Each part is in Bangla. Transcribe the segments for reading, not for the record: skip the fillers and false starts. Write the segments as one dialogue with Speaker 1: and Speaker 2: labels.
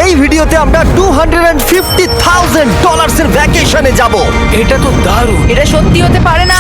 Speaker 1: এই ভিডিওতে আমরা $250,000 এর ভ্যাকেশনে যাব।
Speaker 2: এটা তো দারুণ।
Speaker 3: এটা সত্যি হতে পারে না।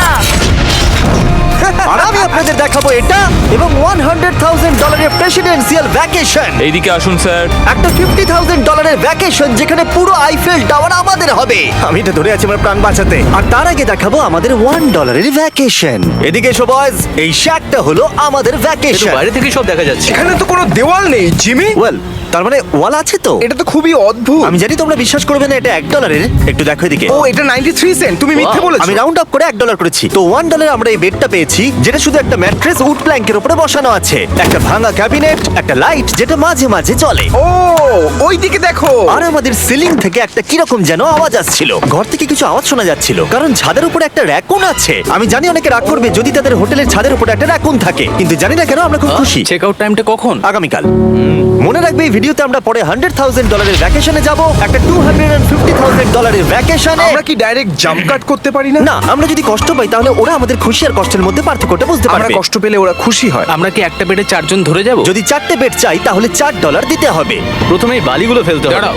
Speaker 1: আর আমি আপনাদের দেখাবো এটা এবং $100,000 এর প্রেসিডেন্সিয়াল ভ্যাকেশন।
Speaker 2: এইদিকে আসুন স্যার।
Speaker 1: একটা $50,000 এর ভ্যাকেশন যেখানে পুরো আইফেল টাওয়ার আমাদের হবে। আমি এটা ধরে আছি আমার প্রাণ বাঁচাতে। আর তার আগে দেখাবো আমাদের $1 এর ভ্যাকেশন। এদিকে এসো বয়স, এই শ্যাকটা হলো আমাদের ভ্যাকেশন।
Speaker 2: বাইরে থেকে সব দেখা যাচ্ছে।
Speaker 4: এখানে তো কোনো দেওয়াল নেই জিমি।
Speaker 1: ওয়েল, তার মানে ওয়াল আছে তো?
Speaker 4: এটা তো খুবই অদ্ভুত।
Speaker 1: আমি জানি তোমরা বিশ্বাস করবে না, এটা $1 একটু দেখো এদিকে।
Speaker 4: ও এটা 93 সেন্ট, তুমি মিথ্যে বলেছো।
Speaker 1: আমি রাউন্ড আপ করে $1 করেছি। তো $1 আমরা এই বেডটা পেয়েছি, যেটা শুধু একটা ম্যাট্রেস উড প্ল্যাঙ্কের উপরে বসানো আছে, একটা ভাঙা ক্যাবিনেট, একটা লাইট যেটা মাঝে মাঝে জ্বলে,
Speaker 4: ও ওই দিকে দেখো।
Speaker 1: আর আমাদের সিলিং থেকে একটা কিরকম যেন আওয়াজ আসছিল। ঘর থেকে কিছু আওয়াজ শোনা যাচ্ছিল, কারণ ছাদের উপরে একটা র‍্যাকুন আছে। আমি জানি অনেকে রাগ করবে যদি তাদের হোটেলের ছাদের উপরে একটা র‍্যাকুন থাকে, কিন্তু জানি না কেন আমরা খুব খুশি।
Speaker 2: চেক আউট টাইমটা কখন?
Speaker 1: আগামীকাল। মনে রাখবে এই ভিডিওতে আমরা পরে $100,000 এর ভ্যাকেশনে যাব, একটা $250,000 এর ভ্যাকেশনে।
Speaker 4: আমরা কি ডাইরেক্ট জাম্প কাট করতে পারি না?
Speaker 1: না, আমরা যদি কষ্ট পাই তাহলে ওরা আমাদের খুশি আর কষ্টের মধ্যে পার্থক্যটা বুঝতে
Speaker 4: আমরা
Speaker 1: পারবে।
Speaker 4: কষ্ট পেলে ওরা খুশি হয়।
Speaker 2: আমরা কি একটা বেডে 4 জন ধরে যাব?
Speaker 1: যদি 4টে বেড চাই তাহলে $4 দিতে হবে।
Speaker 2: প্রথমেই বালিগুলো ফেলতে হবে।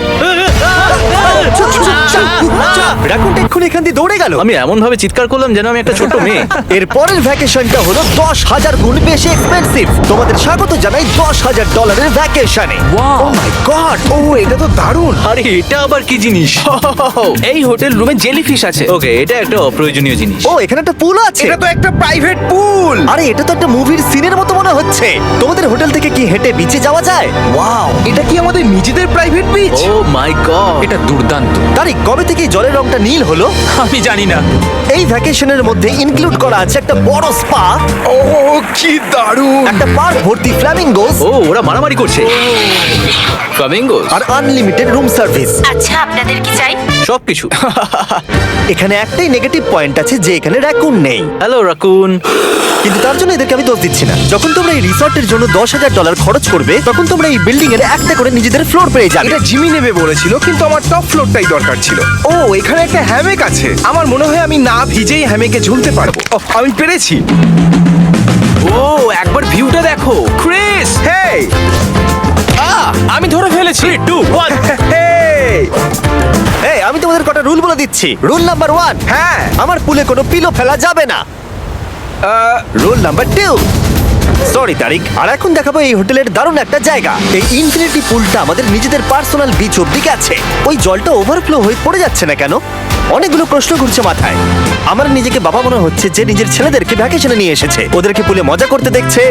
Speaker 1: রাকুনটা এক্ষুনি এখান দিয়ে দৌড়ে গেল।
Speaker 2: আমি এমন ভাবে চিৎকার করলাম যেন আমি একটা ছোট মেয়ে।
Speaker 1: এর পরের ভ্যাকেশনটা হলো 10,000 গুণ বেশি এক্সপেন্সিভ। তোমাদের স্বাগত জানাই $10,000 এর ভ্যাকেশনে।
Speaker 2: Wow!
Speaker 1: O my god!
Speaker 4: ও এটা তো দারুণ।
Speaker 2: আরে এটা আবার কি জিনিস?
Speaker 5: এই হোটেল রুমে জেলিফিশ আছে।
Speaker 2: ওকে, এটা একটা অপ্রয়োজনীয় জিনিস।
Speaker 1: ও এখানে একটা পুল আছে।
Speaker 4: এটা তো একটা প্রাইভেট পুল।
Speaker 1: আরে এটা তো একটা মুভির সিনের মতো মনে হচ্ছে। তোমাদের হোটেল থেকে কি হেঁটে বিচে যাওয়া যায়? ওয়াও!
Speaker 4: এটা কি আমাদের নিজেদের private beach?
Speaker 2: Oh my god,
Speaker 5: এটা দুর্দান্ত।
Speaker 1: তারিক, কবে থেকে এই জলের রংটা নীল হলো?
Speaker 5: আমি জানি না।
Speaker 1: এই ভ্যাকেশনের মধ্যে ইনক্লুড করা আছে একটা বড় স্পা,
Speaker 4: ও কি দারুণ।
Speaker 1: একটা পার্ক ভর্তি ফ্ল্যামিঙ্গোস
Speaker 2: ও ওরা মারামারি করছে। ফ্লামিঙ্গোস
Speaker 1: আর আনলিমিটেড রুম সার্ভিস।
Speaker 3: আচ্ছা, আপনাদের কি চাই?
Speaker 2: সবকিছু।
Speaker 1: এখানে একটাই নেগেটিভ পয়েন্ট আছে যে এখানে র‍্যাকুন নেই,
Speaker 2: হ্যালো রাকুন।
Speaker 1: কিন্তু তার জন্য এদেরকে আমি দোষ দিচ্ছি না। যখন তোমরা এই রিসর্টের জন্য $10,000 খরচ করবে তখন তোমরা এই বিল্ডিং এর একটা করে নিজেদের ফ্লোর পেয়ে যাবে।
Speaker 4: এটা জিমি নেবে বলেছিল, কিন্তু আমার টপ ফ্লোরটাই দরকার ছিল। ও এখানে একটা হ্যামেক আছে। আমার মনে হয় আমি না ভিজেই হ্যামেকে ঝুলতে পারবো। ওহ, আমি পেরেছি।
Speaker 5: ও একবার ভিউটা দেখো ক্রিস।
Speaker 4: হেই
Speaker 5: আমি ধরে ফেলেছি। 3, 2, 1।
Speaker 4: হেই
Speaker 1: এই, আমি তোমাদের কটা রুল বলে দিচ্ছি। রুল নাম্বার 1,
Speaker 4: হ্যাঁ
Speaker 1: আমার পুলে কোনো পিলো ফেলা যাবে না। Rule number 2, sorry Tariq. আর এখন দেখাবো এই হোটেলের দারুণ একটা জায়গা। এই ইনফিনিটি পুলটা আমাদের নিজেদের পার্সোনাল বিচ অব্দি আছে। ওই জলটা ওভারফ্লো হয়ে পড়ে যাচ্ছে না কেন? অনেকগুলো প্রশ্ন ঘুরছে মাথায়। আমার নিজেকে বাবা মনে হচ্ছে যে নিজের ছেলেদেরকে ভ্যাকেশনে নিয়ে এসেছে, ওদেরকে পুলে মজা করতে দেখছে।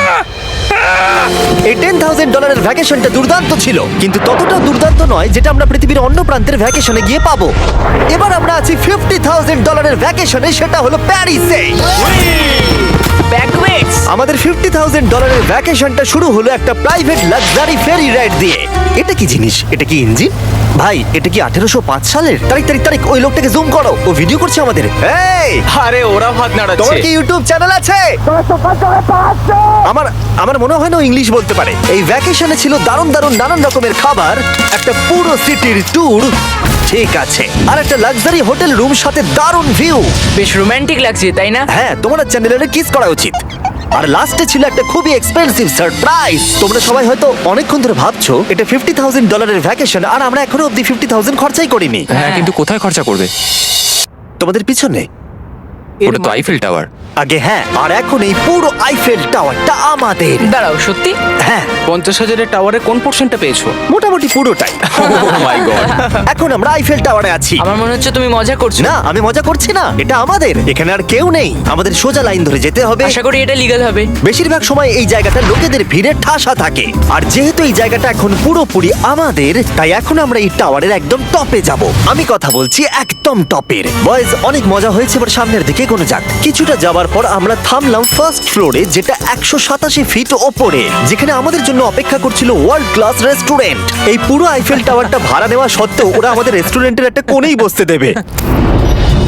Speaker 1: এই $10,000 এর ভ্যাকেশনটা দুর্দান্ত ছিল, কিন্তু ততটা দুর্দান্ত নয় যেটা আমরা পৃথিবীর অন্য প্রান্তের ভ্যাকেশনে গিয়ে পাবো। এবার আমরা আছি $50,000 এর ভ্যাকেশনে, সেটা হলো প্যারিসে।
Speaker 3: ব্যাকওয়েটস।
Speaker 1: আমাদের $50,000 এর ভ্যাকেশনটা শুরু হলো একটা প্রাইভেট লাক্সারি ফেরি রাইড দিয়ে। এটা কি জিনিস? এটা কি ইঞ্জিন? ভাই, এটা কি 1805 সালের? তারিক তারিক তারিক, ওই লোকটাকে জুম করো, ও ভিডিও করছে আমাদের। এই,
Speaker 5: আরে ওরা হাত নাড়াচ্ছে।
Speaker 1: তোমার কি ইউটিউব চ্যানেল আছে? আমার মনে হয় না ও ইংলিশ বলতে পারে। এই ভ্যাকেশনে ছিল দারুণ দারুণ নানান রকমের খাবার, একটা পুরো সিটির ট্যুর, ঠিক আছে, আর একটা লাক্সারি হোটেল রুম সাথে দারুণ ভিউ।
Speaker 3: বেশ রোমান্টিক লাগছে, তাই না?
Speaker 1: হ্যাঁ, তোমার চ্যানেলে কিস করা উচিত। আর লাস্টে ছিল একটা খুবই এক্সপেন্সিভ সারপ্রাইজ। তোমরা সবাই হয়তো অনেকক্ষণ ধরে ভাবছো এটা $50,000 এর ভ্যাকেশন, আর আমরা এখনো অব্দি 50,000 খরচাই করিনি।
Speaker 5: হ্যাঁ কিন্তু কোথায় খরচা করবে?
Speaker 1: তোমাদের পিছনে
Speaker 5: ওটা তো আইফেল টাওয়ার।
Speaker 1: আগে, হ্যাঁ, আর এখন এই পুরো আইফেল টাওয়ারটা আমাদের।
Speaker 3: দাঁড়াও, সত্যি?
Speaker 1: হ্যাঁ,
Speaker 5: 50,000-এর টাওয়ারের কোন পোর্শনটা পেয়েছো?
Speaker 1: মোটামুটি পুরোটাই।
Speaker 5: Oh my god.
Speaker 1: এখন আমরা আইফেল টাওয়ারে আছি।
Speaker 3: আমার মনে হচ্ছে তুমি মজা করছো।
Speaker 1: না, আমি মজা করছি না, এটা আমাদের। এখানে আর কেউ নেই, আমাদের সোজা লাইন ধরে যেতে হবে।
Speaker 3: আশা করি এটা লিগ্যাল হবে।
Speaker 1: বেশিরভাগ সময় এই জায়গাটা লোকেদের ভিড়ে ঠাসা থাকে, আর যেহেতু এই জায়গাটা এখন পুরোপুরি আমাদের, তাই এখন আমরা এই টাওয়ারের একদম টপে যাব। আমি কথা বলছি একদম টপের। বয়েজ, অনেক মজা হয়েছে, এবার সামনের দিকে কোনো যাক। কিছুটা যাওয়ার পর আমরা থামলাম ফার্স্ট ফ্লোরে, যেটা 187 ফিট ওপরে, যেখানে আমাদের জন্য অপেক্ষা করছিল ওয়ার্ল্ড ক্লাস রেস্টুরেন্ট। এই পুরো আইফেল টাওয়ারটা ভাড়া নেওয়া সত্ত্বেও ওরা আমাদের রেস্টুরেন্টের একটা কোণেই বসতে দেবে।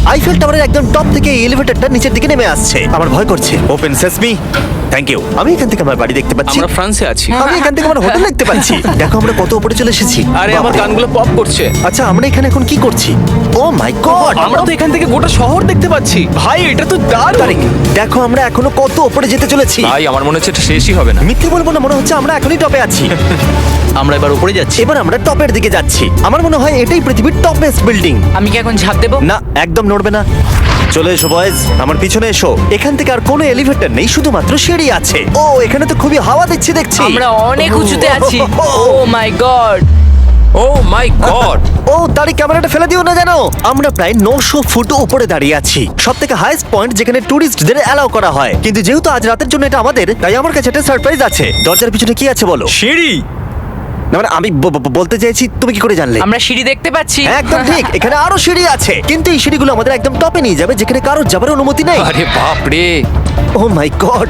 Speaker 1: আইফেল টাওয়ারের একদম টপ থেকে এই এলিভেটরটা নিচের দিকে নেমে আসছে। আমার ভয় করছে। Open sesame. Thank you. আমি এখান থেকে আমার বাড়ি দেখতে পাচ্ছি।
Speaker 5: আমরা ফ্রান্সে আছি।
Speaker 1: আমি এখান থেকে আমার হোটেল দেখতে পাচ্ছি। দেখো আমরা কত উপরে চলে এসেছি।
Speaker 5: আরে আমার
Speaker 1: বাপরে।
Speaker 5: কানগুলো পপ করছে।
Speaker 1: আচ্ছা আমরা এখানে এখন কি করছি? Oh my god.
Speaker 5: আমরা তো এখান থেকে গোটা শহর দেখতে পাচ্ছি। ভাই এটা তো দারুণ।
Speaker 1: তারিক দেখো আমরা এখনো কত উপরে যেতে চলেছি।
Speaker 5: ভাই আমার মনে হচ্ছে এটা শেষই হবে না।
Speaker 1: মিথ্যে বলবো না, মনে হচ্ছে আমরা এখনই টপে আছি।
Speaker 2: আমরা এবার উপরে যাচ্ছি।
Speaker 1: এবার আমরা টপের দিকে যাচ্ছি। আমার মনে হয় এটাই পৃথিবীর টপেস্ট বিল্ডিং।
Speaker 3: আমি কি এখন ঝাঁপ দেবো?
Speaker 1: না একদম নড়বে না। চলে এসো বয়েজ, আমার পিছনে এসো। এখান থেকে আর কোনো এলিভেটর নেই, শুধুমাত্র সিঁড়ি আছে। ও এখানে তো খুবই হাওয়া দিচ্ছে দেখছি।
Speaker 3: আমরা অনেক উঁচুতে আছি। ও my god.
Speaker 5: O my god.
Speaker 1: ও তারই ক্যামেরাটা ফেলে দিও না জানো। আমরা প্রায় 900 ফুট উপরে দাঁড়িয়ে আছি, সব থেকে হাইস্ট পয়েন্ট যেখানে টুরিস্টদের অ্যালাউ করা হয়। কিন্তু যেহেতু আজ রাতের জন্য এটা আমাদের, তাই আমার কাছে একটা সারপ্রাইজ আছে। দরজার পিছনে কি আছে বলো?
Speaker 5: সিঁড়ি।
Speaker 1: না মানে আমি বলতে চাইছি, তুমি কি করে জানলে?
Speaker 3: আমরা সিঁড়ি দেখতে পাচ্ছি।
Speaker 1: হ্যাঁ, একদম ঠিক, এখানে আরো সিঁড়ি আছে, কিন্তু এই সিঁড়িগুলো আমাদের একদম টপে নিয়ে যাবে, যেখানে কারোর যাবার অনুমতি নেই।
Speaker 5: আরে বাপ রে।
Speaker 1: ও মাই গড।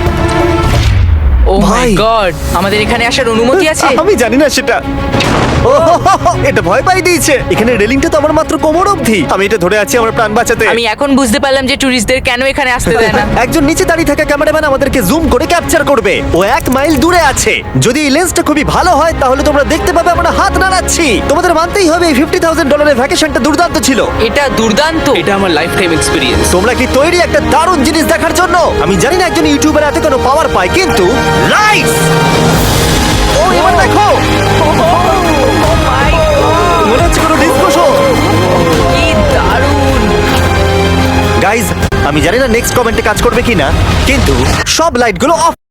Speaker 3: ও মাই
Speaker 1: ভাই।
Speaker 3: গড, আমাদের এখানে আসার অনুমতি আছে?
Speaker 1: আমি জানি না সেটা। ও এটা ভয় পাই দিয়েছে। এখানে রেলিংটা তো আমার মাত্র কোমর অবধি। আমি এটা ধরে আছি আমার প্রাণ বাঁচাতে।
Speaker 3: আমি এখন বুঝতে পারলাম যে ট্যুরিস্টদের কেন এখানে আসতে দেয় না।
Speaker 1: একজন নিচে দাঁড়িয়ে থাকা ক্যামেরাম্যান আমাদেরকে জুম করে ক্যাপচার করবে। ও 1 মাইল দূরে আছে। যদি এই লেন্সটা খুবই ভালো হয় তাহলে তোমরা দেখতে পাবে আমরা হাত নাড়াচ্ছি। তোমাদের মানতেই হবে এই $50,000 ভ্যাকেশনটা দুর্দান্ত ছিল।
Speaker 3: এটা দুর্দান্ত।
Speaker 5: এটা আমার লাইফ টাইম এক্সপিরিয়েন্স।
Speaker 1: তোমরা কি তৈরি একটা দারুণ জিনিস দেখার জন্য? আমি জানি না একজন ইউটিউবার এত কোনো পাওয়ার পায়, কিন্তু লাইফ। ও এবার দেখো, মনে হচ্ছে কোনো ডিসকো শো।
Speaker 3: কি দারুণ।
Speaker 1: গাইজ আমি জানি না নেক্সট কমেন্টে কাজ করবে কিনা, কিন্তু সব লাইটগুলো অফ